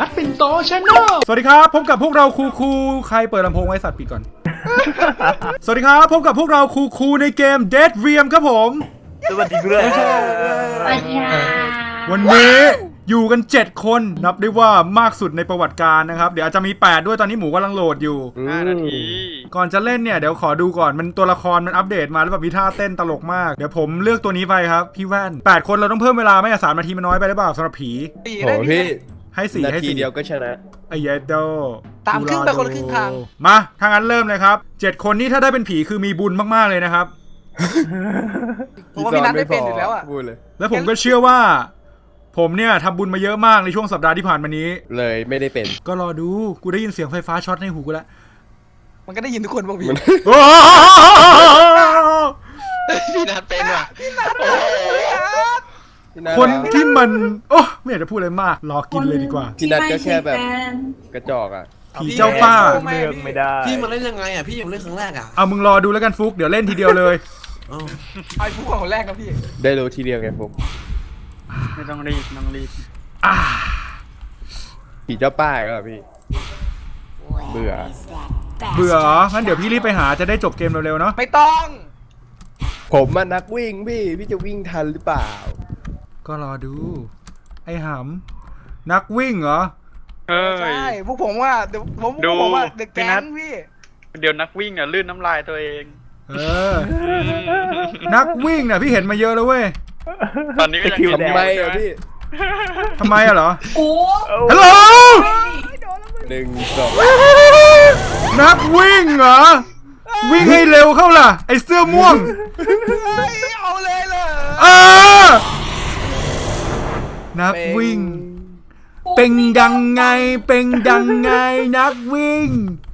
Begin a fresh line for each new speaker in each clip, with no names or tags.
นัดปิ่นโตชาแนลสวัสดีครับพบกับพวกเราคูใครเปิดลำโพงไว้สัตว์ปิดก่อน สวัสดีครับพบกับพวกเราคูในเกม Dead Realm ครับผม
สวัสดีครับ
วันนี้อยู่กัน7คนนับได้ว่ามากสุดในประวัติการนะครับเดี๋ยวอาจจะมี8ด้วยตอนนี้หมูกำลังโหลดอยู่
5 นาที
ก่อนจะเล่นเนี่ยเดี๋ยวขอดูก่อนมันตัวละครมันอัปเดตมาแล้วแบบมีท่าเต้นตลกมากเดี๋ยวผมเลือกตัวนี้ไปครับพี่แว่น8คนเราต้องเพิ่มเวลาไหมอ่ะ3 นาทีมันน้อยไปหรือเปล่าสำหรับผี
โอ้พี่
ให้4
นา
ให้
ที
4
เดียวก็ชนะ
ไอ้เยดโด
ตามครึ่งไปคนละครึ่งทาง
มาถ้างั้นเริ่มเลยครับ7คนนี้ถ้าได้เป็นผีคือมีบุญมากๆเลยนะครับ
เพราะว่าพี่นัทไม่เป็นอยู่แล้วอ่ะ
พูดเลย
แล้วผมก็เชื่อว่าผมเนี่ยทำบุญมาเยอะมากในช่วงสัปดาห์ที่ผ่านมานี้
เลยไม่ได้เป็น
ก็รอดูกูได้ยินเสียงไฟฟ้าช็อตในหูกูแล้ว
มันก็ได้ยินทุกคนบอกพี่
พี่นัทเป็นว่ะ
คนที่มันโอ้ไม่อยากจะพูดอะไรมากรอกินเลยดีกว่า
พี่นัทก็แค่แบบกระจอกอ่ะ
ผีเจ้าป้า
เลือกไม่ได้
พี่มาเล่นยังไงอ่ะพี่ยังเล่นครั้งแรกอ่ะ
เอามึงรอดูแล้วกันฟุกเดี๋ยวเล่นทีเดียวเลย
ไอ้ผู้คนแรกครับพี่
ได้รู้ทีเดียวไงผม
ไม่ต้องรีบไม่ต้องรีบ
ผีเจ้าป้าก็พี่เบื่อ
เบื่อเหรองั้นเดี๋ยวพี่รีบไปหาจะได้จบเกมเร็วๆเนาะ
ไม่ต้อง
ผมมันนักวิ่งพี่จะวิ่งทันหรือเปล่า
ก็รอดูไอ้หำนักวิ่งเหรอ
เฮ้ย
ใช่พวกผมว่าเดี๋ยวผม
ดู
บอกว่าเด็ก
พี่
แก๊
นั
ง
ท
พี่
เดี๋ยวนักวิ่งอ่ะลื่นน้ำลายตัวเอง
เออ นักวิ่งน่ะพี่เห็นมาเยอะแล้วเว้ย
ตอนนี้ก็ยัง
ทำไมอ่ะพี่
ทำไมอะเหรอ
กู
ฮัลโหล
1 2
นักวิ่งเหรอวิ่งให้เร็วเข้าล่ะไอเสื้อม่วง
เฮ้ยเอาเลยเหรอ
เออนักวิ่ง เป็นดังไงเป็นดังไงนักวิ่ง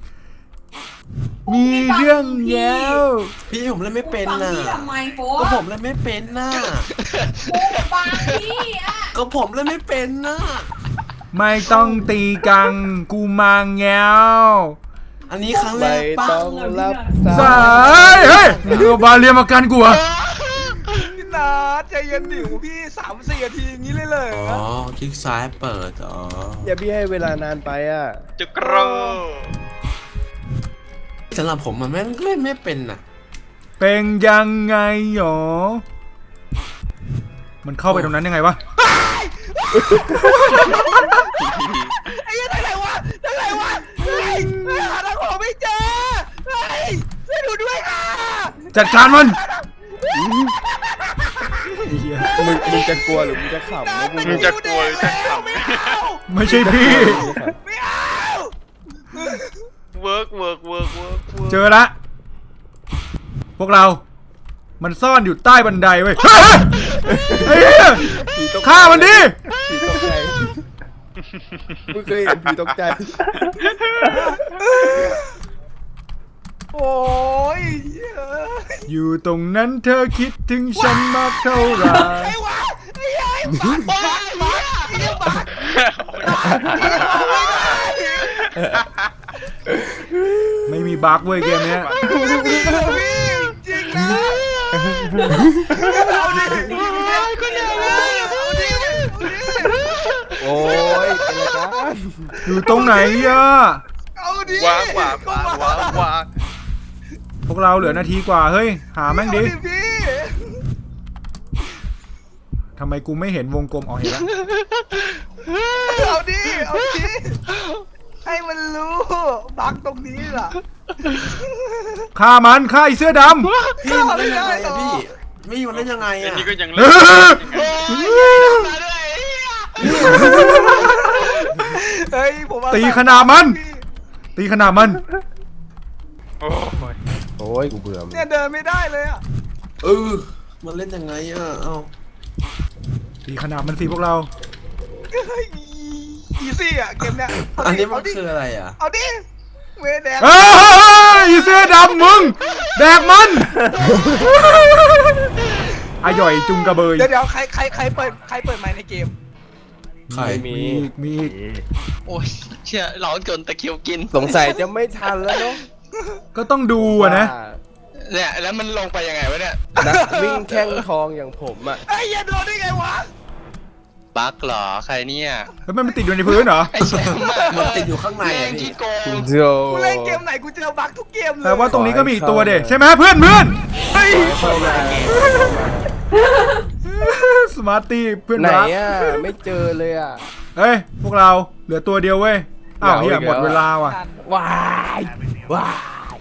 มีเรื่องแล้ว
พี่ผมเล่นไม่เป็น
ฟัง
น่ะ
พี่ทำไมโฟ
ก็ผมเล่นไม่เป็นน่ะ
กูฟังพี่อ่ะ
ก็ผมเล่นไม่เป็นน่ะ
ไม่ต้องตีกังกูมาแง้ว
อันนี้ครั้งแร
ไม่
กป่ะ
ต้องรับ
สายเฮ้ยมึงเอาบาเรียมากันกูอะ
พี่นัทใจเย็นดิวพี่3-4 นาทีอย่างนี้เลยเหรอ
อ๋อคลิกซ้ายเปิดอ๋อ
อย่าพี่ให้เวลานานไปอ่ะ
จุกโร
สำหรับผมมันเล่นไม่เป็นน่ะ
เป็นยังไงหรอมันเข้าไปตรงนั้นยังไงวะ
ไอ้ยังไงวะยังไงวะเฮ้ยหาทางออกไม่เจอเฮ้ยช่วยดูด้วยค่ะ
จัดการมัน
มึงจะกลัวหรือมึงจะขำนะกู
มึงจะกลัวหรือจะข
ไม่เอา
ไม่ใช่พี่
ไม่เอา
ำเวิร์ก
เจอละ พวกเรา มันซ่อนอยู่ใต้บันไดเว้ยเฮ้ยฆ่ามันดิ
ผีตกใจมึงเคยเห็นผีตกใจ
โอ้ย
อยู่ตรงนั้นเธอคิดถึงฉันมากเท่าไหร่
ไอ้วะไอ้ยัยบ้าบ้าไอ้ยังบ้า
ไม่มีบั๊กเว้ยเกมเนี้ย
จริงนะเอาดิคนเดียวเอาดิ
โอ้ยเป็นไรกัน
อยู่ตรงไหนอะ
เอาดิ
วาง
พวกเราเหลือนาทีกว่าเฮ้ยหาแม่งดิ
พี่
ทำไมกูไม่เห็นวงกลมออกเห็นละ
เอาดิเอาดิให้มันรู้บักตรงนี้ล่ะ
ฆ่ามันฆ่าไอ้เสื้อดำ
พี่มันเล่นยังไงอ่ะพี่มี่มันเล่นยังไง
อัน
อ่ะ
นี้ก็ยัง
เอ
เล่น
เฮ้ยผม
ตีขนาดมัน ตีขนาดมัน
โอ้ย
โอ้ยกูเบื่อมึง
เนี่ยเดินไม่ได้เลยอ่ะ
มันเล่นยังไงอ่ะเอ้า
ตีขนาดมันสิพวกเรา
อีซี่อ่ะเกมเนี้ย
อันนี้มันคืออะไรอ่ะ
เอาดิเวแดง
เอ้ยไอ้เสื้อดำมึงแดกมันอร่อยจุงกระเบย
เดี๋ยวใครเปิดไมค์ในเกม
ใคร
มีอีกมีอีก
โอ้ยเชี่ยร้อนจนตะคิวกิน
สงสัยจะไม่ทันแล้วเนาะ
ก็ต้องดูอะนะ
เนี่ยแล้วมันลงไปยังไงวะเนี่ย
นักวิ่งแข้งทองอย่างผมอ่ะ
ไอ้ยันโดนได้ไงวะ
ตบั๊กเหรอใครเนี่ย
แล้วมันติดอยู่ในพื้นเหรอ
ไอแชมป์มันติดอยู่ข้างในแม่งที่โกง
โจ
กูเล่นเกมไหนกูเจอบั๊กทุกเกมเลย
แต่ว่าตรงนี้ก็มีอีกตัวเด็ใช่ไหมเพื่อนเฮ้ย
เข้ามา
สมาร์ตี้เพื่อน
ไหน
รัก
อ่ะไม่เจอเลยอ่ะ
เฮ้ยพวกเราเหลือตัวเดียวเว้ยอ้าว
เห
เฮี
ลื
ย
ออีก
หมด
แล้ว
เวลาว่ะ
ว้ายว้าย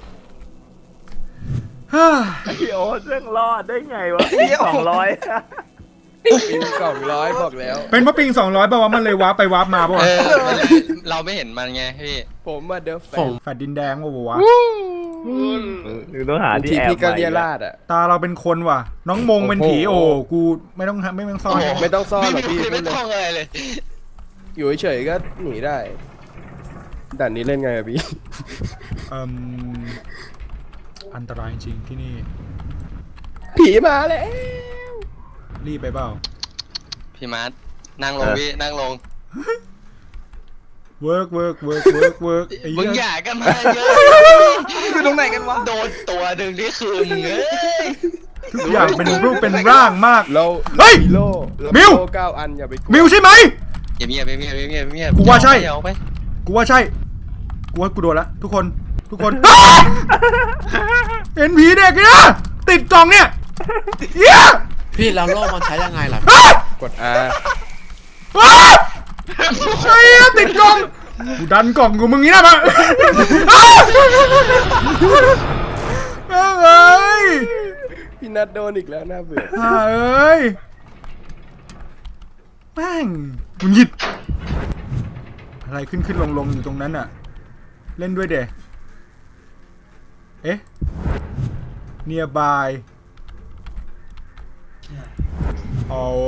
พี่โอ๊ตเรื่องรอดได้ไงวะ200
ปี200บอกแล้ว
เป็นเพราะปิง200ป่าวะมันเลยวาร์ปไปวาร์ปมาป่าวะ
เราไม่เห็นมันไงพี่
ผมมาเดอะแฟน
แฟดดินแดงป่าววะ
หรือต้องหาที่
ที
แอบ
พี่ก็เรียราดอ่ะ
ตาเราเป็นคนว่ะ น้องมงเป็นผี
โอ้
โอ้
โห
กูไม่ต้องซ่อน
ไม่ต้องซ่อนหรอกพี่
ไม่ต้องอะไรเลย
อยู่เฉยๆก็หนีได้ด่านนี้เล่นไงอะพี่
อืมอันตรายจริงที่นี่
ผีมาแล้ว
รีบไปเปล่า
พี่มาร์ทนั่งลงพี่นั่งลง
เวิร์กไอ้
มึง
เหี้
อย ย่ากันมาเยอะ
อยู่ตรงไหนกันวะ
โดนตัวหนึ่งที่คืนเอ้ย
ทุกอย่างเป็นรูปเป็นร่างมาก
เรา
เฮ้ย
โล่
มิว
โล่9 อันอย่าไปกลัว
มิวใช่ไหม
เงียบเงียบ
กูว่าใช่
เอาไป
กูว่าใช่ กูว่ากูโดนละทุกคน เห็นผีเด็กเนี่ยติดกล่องเนี่ยเหี้ย
พี่แล้วโล่มันใช้ยังไงล่ะ
กด R
ไอ้เหี้ยติดกล่องกูดันกล่องกูมึงงี้นะมาเอ้ย
พี่นัดโดนอีกแล้วน่าเบื่อ
เอ้ยแม่งมึงหยิบอะไรขึ้นลงอยู่ตรงนั้นอะเล่นด้วยเดเอ๊ะ nearby อ๋อ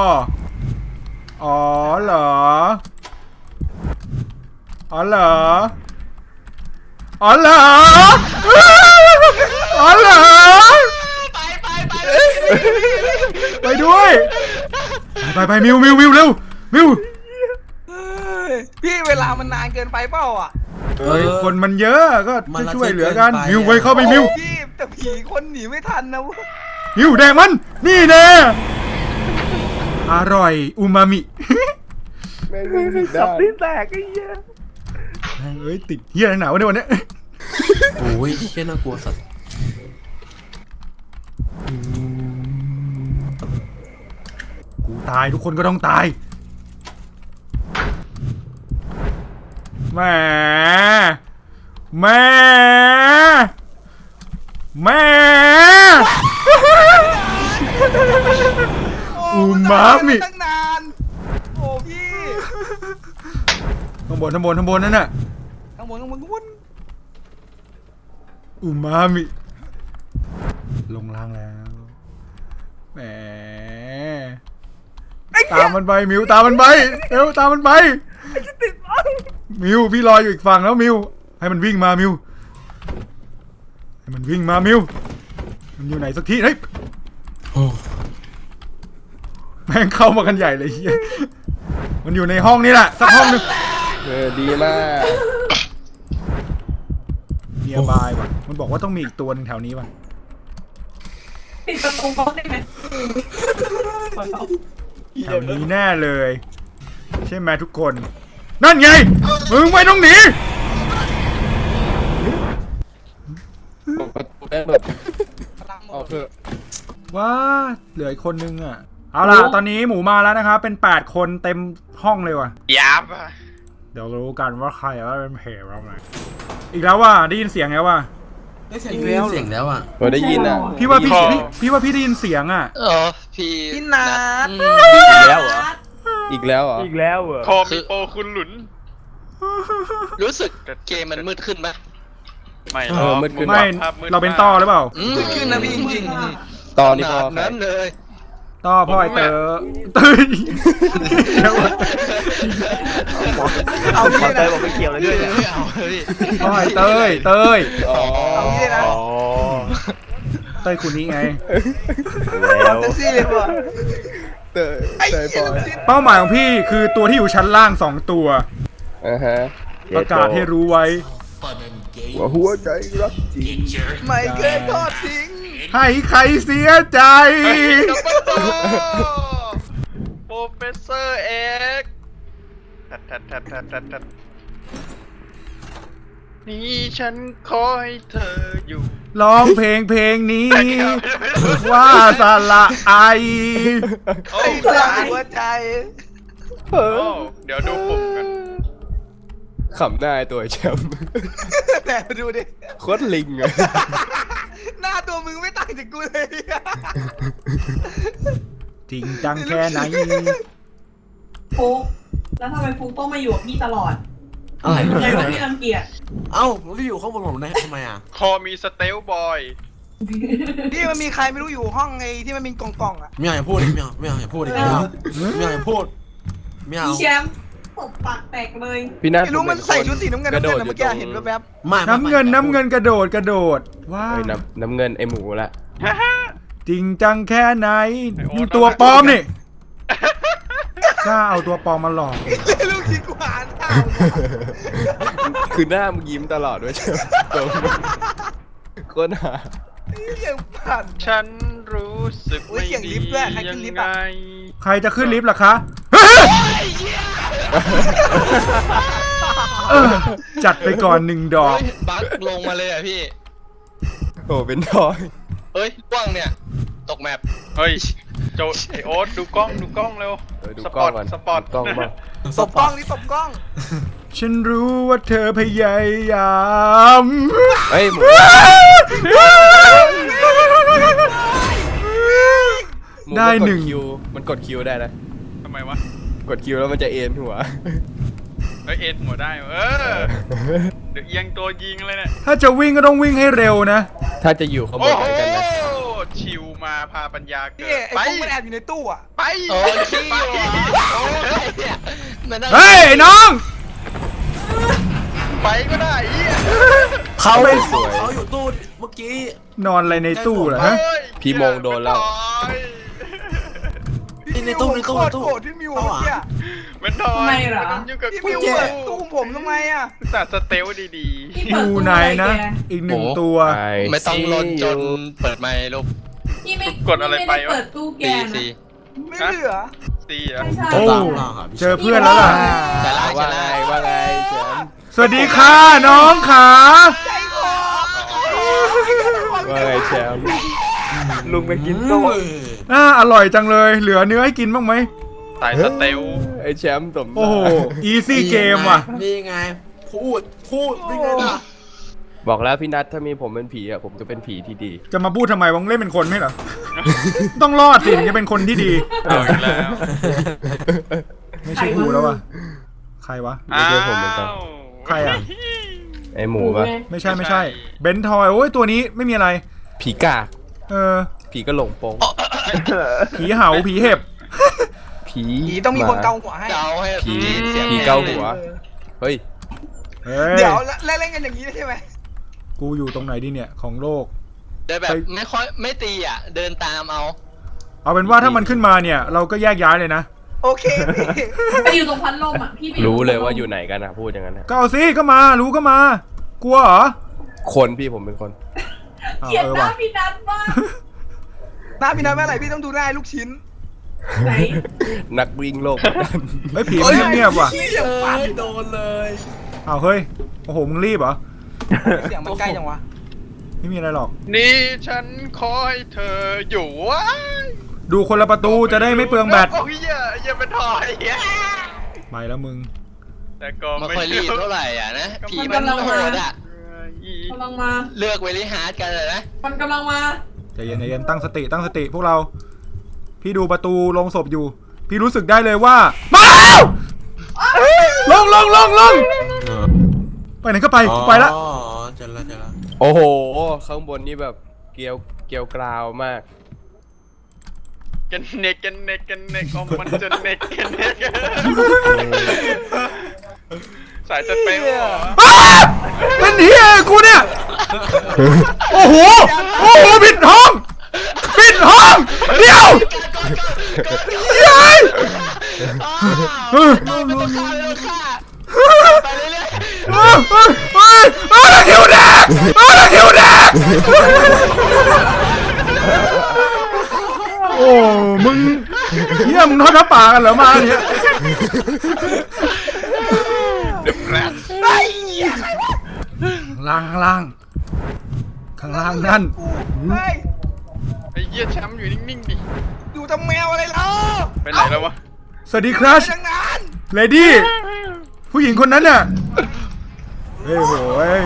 เหรออ๋อเหรอไปด้วยไปมิวเร็วมิว
พี่เวลามันนานเกินไปเปล่าอ่ะ
เฮ้ยคนมันเยอะก็ช่วยเหลือกันมิวไปเข้าไปมิว
พี่แต่ผีคนหนีไม่ทันนะ
มิวแดงมันนี่แน่อร่อยอูมามิ
แม่งวิ่งผิดได้
ลิ้นแตกไอ้เหี้ย
เอ้ยติดเหี้ยหนาวในวันนี้
โอ้ยเชี่ยน่ากลัวสัตว์
กูตายทุกคนก็ต้องตายแหม่ อูมามิ
ตั้งนานโอ้พี่
ข้างบนนั่นน่ะ
ข้างบน
อูมามิลงล่างแล้วแหมตามมันไปมิวตามมันไปเร็วตามมันไปมิวพี่รออยู่อีกฝั่งแล้วมิวให้มันวิ่งมามิวให้มันวิ่งมามิวมันอยู่ไหนสักทีเฮ้ย
โอ้
แม่งเข้ามากันใหญ่เลยเฮียมันอยู่ในห้องนี้แหละสักห้องหนึง
ดีมาก
เนียบายว่ะมันบอกว่าต้องมีอีกตัวหนึงแถวนี้ว่ะ
ปิดประตูบล็อกได้ไหม
แถวนี้แน่เลย ใช่ไหมทุกคน นั่นไงมึงไม่ต้องหนี
ประตูแม่งแบบออกเถอะ
ว้าเหลืออีกคนนึงอ่ะเอาล่ะตอนนี้หมูมาแล้วนะครับเป็น8คนเต็มห้องเลยว่ะ
ยับ
เดี๋ยวรู้กันว่าใครว่าเป็นเพจเราไหนอีกแล้วว่ะได้ยินเสียงแล้วว่ะ
ได้เสียงเสียงแล้วอ่ะ
พอได้ยินอ่ะ
พี่ว่าพี่ว่าพี่ได้ยินเสียงอ่ะ
พี่
พี่นัท
แล้วเหรอ
อีกแล้วเหรอ
อีกแล้วเหรอ
พอมีโปรคุณหลุน
รู้สึกเกมมันมืดขึ้นปะ
ไม่หร
เอ
อ
อก มืดขึ้น
ไม่เราเป็นต้อหรือเปล่า
มืดขึ้นนะพี่จริง
ตอนนี้พอ
ขนาดนั้นเลย
ต้อพ่อไอเต๋อตื่นเดี๋ยว
ๆเอา
ขอ
งี้
เต
นะ
ยบอกไม่เกี่ยวเลยด้วยเนี่ย
ไม่เอาเลย
พ่อไอเตย
อ๋อ
เอางี้เลยนะ
อ๋อ
เต้ยคุณนี้ไง
แล้ว
เซ็กซี่เลยว่ะ
เตยเตยพอ
เป้าหมายของพี่คือตัวที่อยู่ชั้นล่าง2ตัว
ฮะ
ประกาศให้รู้ไว้
หัวใจรักจริง
ไม่เคยทอดทิ้ง
ให้ใครเสียใจ
โปรเฟสเซอร์เอ็กทัดนี่ฉันขอให้เธออยู่
ร้องเพลงนี้ ว่าสละไอ
โอ้
ไอ้สายหัวใจ
โอ้เดี๋ยวดูปุ่มกัน
ขำหน้าไอ้ตัวแชมป์
แต่ดูดิ
โคตรลิงอะ
หน้าตัวมึงไม่ต่างจากกูเลย
จริงจังแค่ไหน
ฟุกแล้วทำไมฟุกต้องมาอยู่กับพี่ตลอด
อะไร
ใจว่าพี่รังเกียจ
เอ้าผมรีบอยู่ข้างบนผมนะทำไมอ่ะ
คอมีสเตลบอย
นี่มันมีใครไม่รู้อยู่ห้องไอ้ที่มันมีกล่องๆอ่ะ
ไม่เอาอย่าพูดดิไม่เอาอย่าพูดดิไม่เอาอย่าพูดไม่เอา
พี่แชมป์ตบปากแตกเลย
พี่นัท
ไม่รู้มันใส่ชุดสีน้ำเงิน
กระโดด
เมื่อกี้เห็นแวบ
ไม่
น้ำเงินกระโดดว้า
เฮ้ยน้ำเงินไอหมูละ
จริงจังแค่ไหนมึงตัวปลอมนี่กล้าเอาตัวปลอมมาหลอก
ๆลูกชิ้นกูหานข้าว
คือหน้ามึงยิ้มตลอดด้วยใช่ไหมตรงโคตรหา
ยังปั่น
ฉันรู้สึก
โอ้ย
ไม่
เสียงลิ
ดี
ฟต์ด้วยใครขึ้
ยั
น
ง
ลิฟต์
ไง
อะ
ใครจะขึ้นลิฟต์ล่ะคะ จัดไปก่อน1 ดอก
เฮ้ยบั๊กลงมาเลยอ่ะพี่
โอ้เป็นทอย
เฮ้ยล่วงเนี่ย ตกแมป
เฮ้ยโจไอโอ๊ตดูกล้องเร็ว
ดู
ส
ก
ป
ล้
อ
อง
ร์ต
ก่อน
สปอร์ต
ดูกล้องบ้าง
ตบกล้องนี่ตบกล้อง
ฉันรู้ว่าเธอพยายาม
เฮ้ยหมู
ได้
มัก
1
คิวมันกดคิวได้นะ
ทำไมวะ
กดคิวแล้วมันจะเอ็นหัว
เฮ้ยเอ็นหัวได้เดี๋ยวเอียงตัวยิงเลยเนี่ย
ถ้าจะวิ่งก็ต้องวิ่งให้เร็วนะ
ถ้าจะอยู่ข้างบ
โอ้
น
โห
เหมือนกันนะ
ชิวมาพาปัญญาเกิ
นี่
ด
ไอ้
ไป
พวกมันแอบอยู่ในตู้อ่ะ
ไป
โอ้ยขี้
ไป
ว่ะโอ้ยเนี่ยมันนั่ง
เฮ้ยไอ้น้อง
ไปก็ได้เหี้ย
เขาเขาอยู่ตู้เมื่อกี้
นอนอะไรในตู้เหรอ
เฮ้
ฮะ
ย
พี่มงโดนแล้ว
ในตู้
โคตรโกรธพี่มิวเมื่อกี้
มันทอย
ทำไมเหรอ
นยุ่งกับ
พี่
กู
มิวเปิดตู้ผมทำไมอ่ะ
แต่สเตลดี
พี่
อ
เปิด
ยู่
ตู้
ไหน
อะไร
นะ
แก
อีก1 ตัว
ๆไม่ต้องลนจนเปิดไมค์ลูก
พี่ไม่
กดอะไรไป
ม่ด้
วะ
เปิดตู้แก
ดี
นะ
สิ
ไม่เหลือ
ๆตีอ่ะ
ไม่ใช่
โอ้
พี่
เจอเพื่อนแล้วล่ะ
จะไล่
ว่า
จะ
ไง
ไล่
ว่าไงแชมป์
สวัสดีค่ะน้องขา
ใจคอ
ว่าไงแชมป์
ลุงไปกิน
โต้
โซ่
อร่อยจังเลย เหลือเนื้อให้กินบ้างไหม
สายสเตล
ไอแชมป์สม
โอ้โห อีซี่เกมว่ะ
นี่ไงพูดนี่ไงล่ะ
บอกแล้วพี่นัทถ้ามีผมเป็นผีอ่ะผมจะเป็นผีที่ดี
จะมาพูดทำไมวังเล่นเป็นคนไม่เหรอ ต้องรอดสิถึงจะเป็นคนที่ดี
เอาอีกแล้ว
ไม่ใช่กูแล้วว่ะ ใครวะ
ไม่ใช่ผมเหมือนกัน
ใครอ่ะ
ไอหมูปะ
ไม่ใช่ เบนทอยโอ้ยตัวนี้ไม่มีอะไร
ผีกาก
เออ
ผีก็หลงโปง
ผีเห่าผีเห็บ
ผี
ผีต้องมีคนเกาหัวให้
เดาให้
ผี
เสียง
ผีเกาหัว เฮ้ย
เฮ้ย
เดี๋ยวเล่นกันอย่างนี้ใช่ไหม
กูอยู่ตรงไหนดีเนี่ยของโลก
เดินแบบไม่ค่อยไม่ตีอ่ะ เดินตามเอา
เอาเป็นว่าถ้ามันขึ้นมาเนี่ย เราก็แยกย้ายเลยนะ
โอเคพี่
ไปอยู่ตรงพัดลมอ่ะพี่ไปอ
รู้เลย
ตงพัดม
ว่าอยู่ไหนกันนะพูดอย่างนั้นนะ
ก็เอาสิก็มารู้ก็มา กลัวเหรอ
คนพี่ผมเป็นคน
อ้าว
เกลียด
เออ
หน้า
ว่ะ
พี่นัทมาก
หน้าพี่นัทเมื่อไหร่พี่ต้องดูหน้าลูกชิ้น
ไหน
นักวิ่งโลกดัน
เฮ้ยผีมันเงียบๆว่ะ
เสียงปั่น
โดนเลย
อ้าวเฮ้ยโอ้โหมึงรีบเหรอ
เสียงมันใกล้จังวะ
ไม่มีอะไรหรอก
นี่ฉันขอให้เธออยู่วะ
ดูคนละประตูจะได้ไม่เปลืองแบต
โอ้ยอย่าเป็นทอยเหี้ย
ไปแล้วมึง
แต่ก็
ไม่
ไม่
ค่อยรีบเท่าไหร่อ่ะนะ ผีมันโหดอ่ะ
กำลังมา
เลือกเวลิฮาร์ดกันเลยนะ
มันกำลังมา
ใจเย็นตั้งสติพวกเรา พี่ดูประตูลงศพอยู่ พี่รู้สึกได้เลยว่ามาแล้วลงไปไหนก็ไปกูไปละ
อ๋อเจอแล้ว
โอ้โห ข้างบนนี่แบบเกลียวกราวมาก
กันเน็กอ๋อมันจะเน็กสายสเปลเหรอ
อ้าเป็นเฮียกูเนี่ย โอ้โหปิดห้องเดี๋ยวยัย
ไม่ต้องฆ่าไปเรื่อย
ตะคิวแดกโอ้มึงเฮียมึงทอดผ้าป่ากันเหรอมาเนี่ย
ไอ้เหี้ยใครวะ
ข้างล่างนั่น
เฮ้ย
ไอ้เหี้ยแชมป์อยู่นิ่งๆดิ
อยู่ทำแมวอะไรล่ะ
ไปไหนแล้ววะ
สวัสดีครัช
ไปทางนั้น
เลดี้ผู้หญิงคนนั้นน่ะเฮ้ยโหย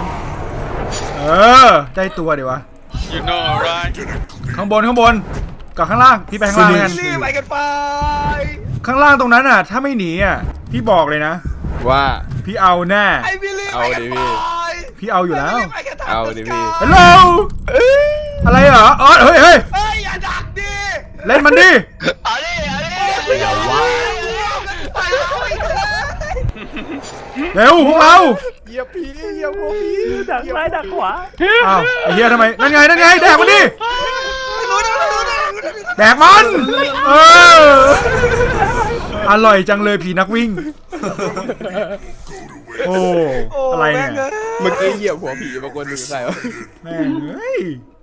ได้ตัวเดี๋ยววะ
you know right
ข้างบนกับข้างล่างพี่ไปข้างล่างกัน
รีบไปกันไป
ข้างล่างตรงนั้นน่ะถ้าไม่หนีอ่ะพี่บอกเลยนะ
ว่า
พี่เอาแน่
ไอ้บิลลี่
เอา
ไปกัน
ดิ
ไป
พี่
พี่เอาอยู่แล้ว
ไปกันทง
เอาดิพี่
ฮัลโหลอะไรเหรออ๋อเฮ้ย
เฮ้ยอย่าดักดิ
เล่นมันดิ
เอาดิเอาดิ
อย่าว่าไปเอาอีกเลย
เร็วพวกเรา
เหยียบผีเหยียบหัวผี
ดักซ้ายดักขวา
อ้าวไอ้เหี้ยทำไมนั่นไงแดกมันดิ
รู้นะ
แดกมันอร่อยจังเลยผีนักวิ่งโอ้อะไรเนี่ย
เมื่อกี้เหยียบหัวผีบางคนดูใครวะ
แม่งเอ้ย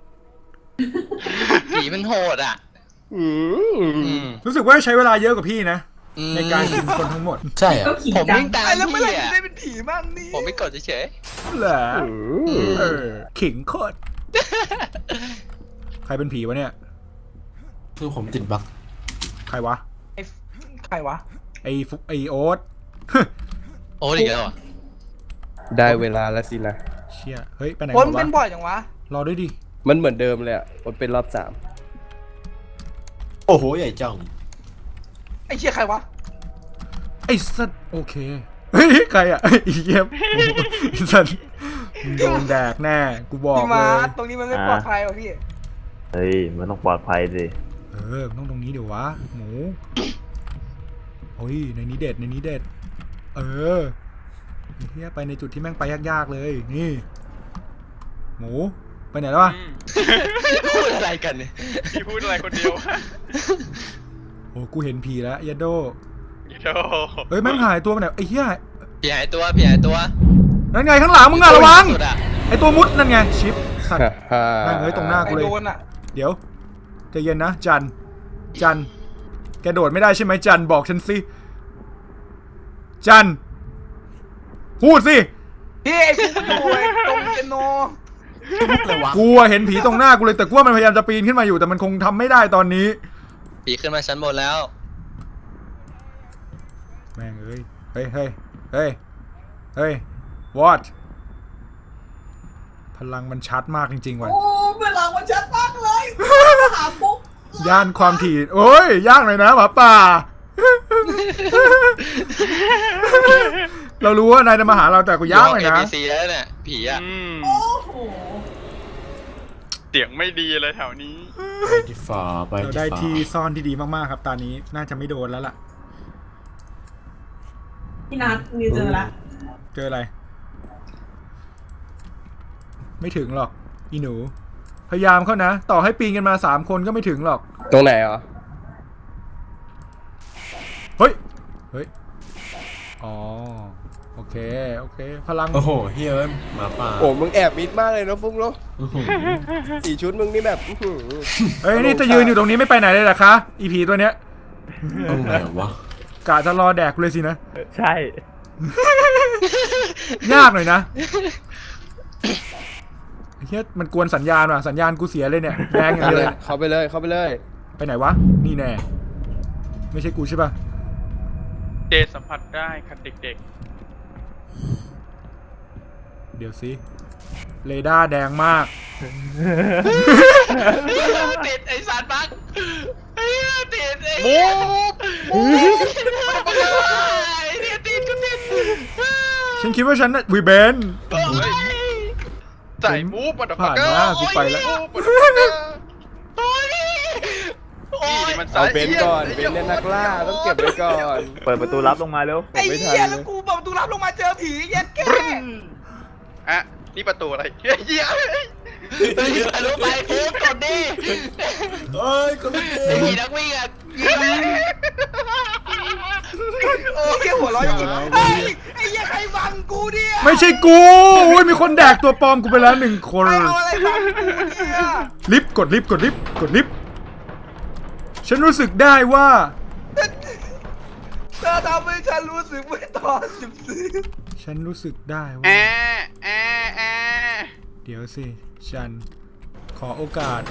ผีมันโหดอ่ะ อืม
รู้สึกว่าใช้เวลาเยอะกว่าพี่นะ
อืม
ในการกินคนทั้งหมด
ใช่อ่ะ
ก็ขิง
ผม
จัง
วิ่งตาม
ไอ้แล้วเมื่อไหร่
พี่
จะ
อ่ะ
ได้เป็นผีบ้างนี่
ผมไม่กดเฉย
เหรอขิงโคตรใครเป็นผีวะเนี่ย
คือผมติดบั๊ก
ใครวะ
ไอ้ใครวะ
ไอโอ๊ต
ๆโอ้ดีแล้วอ่ะ
ได้เวลาแล้วสินะ
เชี่ยเฮ้ยไปไหน
คน
วะ
เป็นบ่อยจังวะ
รอด้วยดิ
มันเหมือนเดิมเลยอ่ะมันเป็นรอบ
โอ้โหใหญ่จัง
ไอ้เชี่ยใครวะ
ไอ้สัตว์โอเคเฮ้ยใครอ่ะไอ้เยี่ยมไอ้สัตว์มึงโดนแดกแน่กูบอก
พี่
เล
มาย ตรงนี้มันไม่ปลอดภัยหรอพี่
เฮ้ยมันต้องปลอดภัยสิ
มันต้องตรงนี้เดี๋ยววะหมูโอ้ยในนี้เด็ดไอ้เฮียไปในจุดที่แม่งไปยากๆเลยนี่หมูไปไหนแล้ววะ
พูดอะไรกันเนี่ย
พี่พูดอะไรคนเดียว
โอ้กูเห็นผีแล้วยัดโด
อีโด
เฮ้ยแม่งหายตัวไปไหนไอ้เหี้ย
ผีหายตัว
นั่นไงข้างหลังมึงอะระวัง
สุดอ่ะ
ไอ้ตัวมุดนั่นไงชิปสัตว์
ๆ
แม่งเอ้ยตรงหน้า
ไอ้
กูเลย
โดนอ่ะ
เดี๋ยวใจเย็นนะจันแกโดดไม่ได้ใช่ไหมจันบอกฉันสิจันพูดสิ
พี่ไอ้ฟุกอยู่ไอ้ตรงเปียโน
เลยวะ
กูอะเห็นผีตรงหน้ากูเลยแต่กูว่ามันพยายามจะปีนขึ้นมาอยู่แต่มันคงทำไม่ได้ตอนนี้
ผีขึ้นมาชั้นบนแล้ว
แม่งเอ้ยเฮ้ย what พลังมันชัดมากจริงๆว่ะ
โอ้เวลามันชัดมากเลยหาปุ๊บ
ย่านความถี่โอ้ยยากหน่อยนะหมาป่า เรารู้ว่านายจะมาหาเราแต่กูยากหน่อยนะ
ABC แล้วเนี่ยผีอ่ะ
โอ้โห
เสียงไม่ดีเลยแถวนี้
ไปที่ฝาไป
เรา
ที่
ได้
ฝา
ที่ซ่อนที่ดีมากๆครับตอนนี้น่าจะไม่โดนแล้วล่ะ
พี่นัทนิวเจอละ
เจออะไร ไม่ถึงหรอกอีหนู พยายามเข้านะ ต่อให้ปีนกันมา3 คนก็ไม่ถึงหรอก
ตรงไหนอ่ะ
เฮ้ยอ๋อโอเคพลัง
โอ้โหเฮ้ยเอ้ยหมาป่า
โอ้มึงแอบมิดมากเลยนะฟุ๊กเนาะ
อื้อหือ
สี่ชุดมึงนี่แบบอื้อหือ
เฮ้ยนี่จะยืนอยู่ตรงนี้ไม่ไปไหนเลยเหรอคะอีผีตัวเนี้ย
ตรงไหนวะ
กะจะรอแดกกูเลยสินะ
ใช่
ยากหน่อยนะเฮียมันกวนสัญญาณว่ะสัญญาณกูเสียเลยเนี่ยแดงอย่างเดียวเลย
เข้าไปเลยเข้าไปเลย
ไปไหนวะนี่แน่ไม่ใช่กูใช่ปะ
เจสัมผัสได้ค่ะเด็ก
เดี๋ยวสิเรดาร์แดงมาก
ติดไอ้สารบักไอ้ติดไอ้
ๆมูฟ
ไอ้เนี่ยติดก็ติด
ฉันคิดว่าฉันน่ะวีเบน
ใส่มูฟมาดอก
ผ่านมากูไปแล้ว
โอ้ยโอ้ย
นี่มัน
เอาเบนซ์ก่อนเบนซ์เนี่ยนักล่าต้องเก็บไว้ก่อน
เปิดประตูลับลงมาเร็ว
ไอ้เหี้ยแล้วกูเปิดประตูรับลงมาเจอผีเย็ดแก่
อ่ะนี่ประตูอะไรเฮีย
ไปรู้ไปฟูกดดิ
เอ้ยคนละเก
ไอ้
ม
ผีนักวิ่งอ่ะยิง
โอ้ยหัวเร้อยจริงเฮ้ยไอ้เหี้ยใครบังกูเนี่ย
ไม่ใช่กูอุ้ยมีคนแดกตัวปลอมกูไปแล้ว1 คน
ใครเอาอะไรบังกูเนี่ย
ลิฟต์กดลิฟต์ฉันรู้สึกได้ว่า
เธอทำให้ฉันรู้สึกไม่ต่อ14
ฉันรู้สึกได้
แอ
ว่า
แอแอ
เดี๋ยวสิ ฉัน ขอโอกาส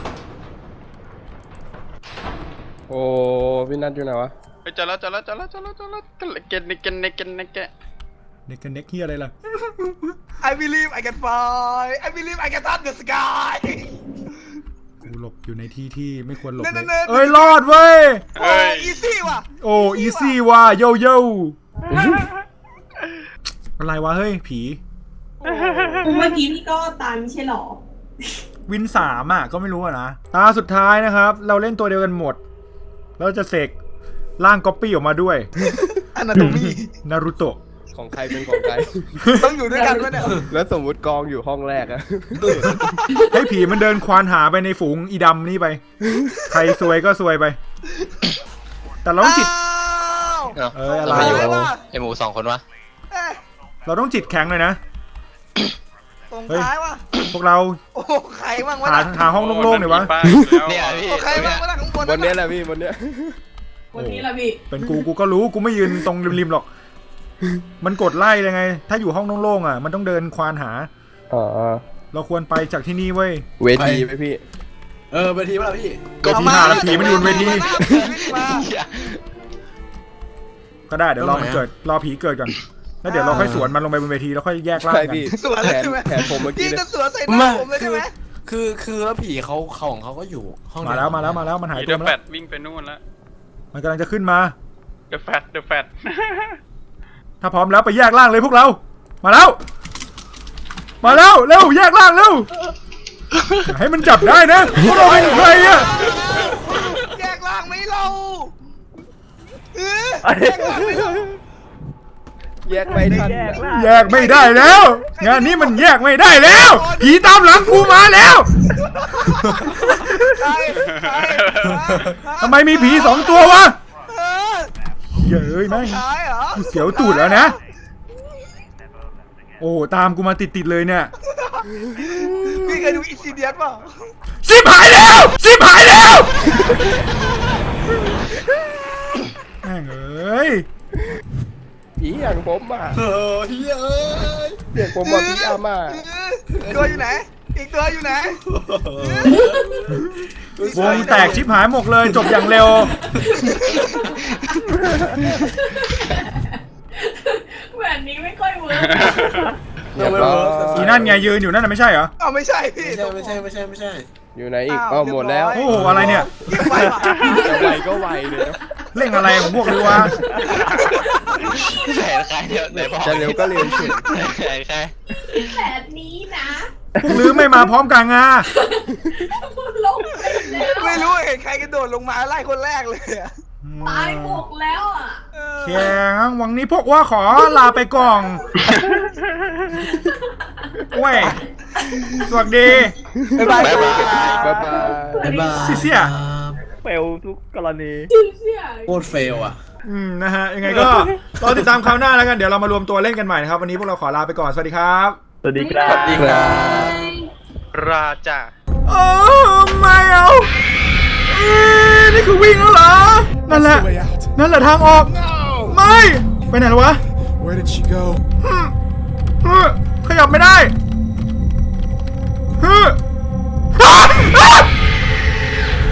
โอ้พี่นัทอยู่ไหนวะ
ไปเจอแล้วเกนเกน
เน็กกันเน็กเฮียอะไรล่ะ
I believe I can fly I believe I can touch the sky
กูหลบอยู่ในที่ที่ไม่ควรหลบ
เนิ
เล
นๆ
ยเอ้ย รอดเว้ย
โอ้อีซี่ว่ะ
โอ้ อีซี่ว่ะโยโย่อะไรวะ เฮ้ย ผี
เมื่อกี้พี่ก็ตายไม่ใช่หรอ
วิน3อ่ะ ก็ไม่รู้อะนะ ตาสุดท้ายนะครับ เราเล่นตัวเดียวกันหมด เราจะเสกร่างก๊อปปี้ออกมาด้วย
อนาโตมี
นารูโตะ
ของใครเป็นของใคร
ต้องอยู่ด้วยกันไหมเนี่ย
แล้วสมมุติกองอยู่ห้องแรกอะ
ให้ผีมันเดินควานหาไปในฝูงอีดำนี่ไป ใครซวยก็ซวยไป แต่เราต้องจิต
อ้าว
เอ้ยอะไร
ทำไมอยู่
วะ
ไอหมู2 คนวะ
เอ๊ะ
เราต้องจิตแข็งเลยนะ
ตรง
เฮ้ย
ท้ายว่ะ
พวกเรา
โอ้ใครบ้างวะ
หา
น่ะ
หาห้องโล่งๆหน่อยวะ
เนี่ย
พี่
โอ้ใครบ้างวะน่ะข้างบน
บนเนี้ยแหละพี่บนเนี้ย
วันนี้ละพี่
เป็นกูก็รู้ กูไม่ยืนตรงริมๆหรอก มันกดไล่เลยไง ถ้าอยู่ห้องโล่งๆอ่ะ มันต้องเดินควานหา
อ๋อ
เราควรไปจากที่นี่เว้ย
เวทีไหมพี่
เวทีป่ะล่ะพี่
ก็ผีหาแล้วผีมันอยู่บนเวที
มา
ก็ได้ เดี๋ยวรอมันเกิด รอผีเกิดก่อน แล้วเดี๋ยวเราค่อยสวนมันลงไปบนเวทีแล้วค่อยแยกร่าง
ใช่
กัน
พี่
สวน
แผ
เลย
น
ใช่ไหม
แผนผมเมื่อกี้
พี่
เนี่ย
จะสวนใส่หน้าผมเลยใช่ไหม
คือแล้วผีเขาของเขาก็อยู่ห้อง
มาแล้วมันหาย
เด
ตัว
อะ
มา
แฟ
แล้ว
ดวิ่งไปนู่นแล้ว
มันกำลังจะขึ้นมา
เดอะแฟด
ถ้าพร้อมแล้วไปแยกร่างเลยพวกเรา มาแล้ว มาแล้ว เร็วแยกร่างเร็วอย่าให้มันจับได้นะพวกเราเป็นใครอะ
แยกล่างไหมเราเออ
แยกไม่ทัน
แยกไม่ได้แล้ว งานนี้มันแยกไม่ได้แล้วผีตามหลังกูมาแล้ว
ใช่ใช่
ทำไมมีผี2 ตัววะ
เออ
เย้ยแม่ง
ท้ายเหรอ
กูเสียวตูดแล้วนะ โอ้ตามกูมาติดๆเลยเนี่ย
พี่เคยดูอินซิเดียนป่ะ
ชิบหายแล้วแม่งเอ้ย
ผีอย่างผมอ่ะ
เฮ้ยเอ้ย
เรียกผมว่าพี่อาม่า
ตัวอยู่ไหน อีกตัวอยู่ไหน
วงแตกชิบหายหมดเลยจบอย่างเร็ว
แบบนี้ไม่ค่อยเวิร์ก
เรียบร้อย
อีนั่นไงยืนอยู่นั่นน่ะไม่ใช่เหรอ
อ้าวไม่ใช่พี่
ไม่ใช่
อยู่ไหนอีกเอ้าหมดแล้ว
โอ้โหอะไรเนี่ย
ยิ่งไปว่ะ
จะไวก็ไวเลยนะ
เร่งอะไรของพวกนี้วะ
แผนใครเนี่ยไหนบอก
จะเร็วก็เร็วสุด
แผนใคร
แบบนี้นะ
พวกลือไม่มาพร้อมกันงา
ลงไปแล้ว
ไม่รู้เห็นใครกระโดดลงมาไล่คนแรกเลยอะ
ตายหมกแล้วอ่ะ
เออ
แข็งวันนี้พวกว่าขอลาไปก่อนเว้ยสวัสดี
บ๊ายบาย
บ๊ายบาย
บ๊ายบาย
บ๊ายบาย
เสี่ย
เฟลทุกกรณี
เชื่อ
โคตรเฟลอ่ะ
นะฮะยังไงก็รอติดตามคราวหน้าแล้วกันเดี๋ยวเรามารวมตัวเล่นกันใหม่นะครับวันนี้พวกเราขอลาไปก่อนสวัสดีครับ
สวัสดีครับ
ดีครับ
ราจา
โอ้ไม่เอานี่คือวิ่งแล้วเหรอนั่นแหละทางออกไม่ไปไหนแล้ววะ
Where did she go
ขยับไม่ได้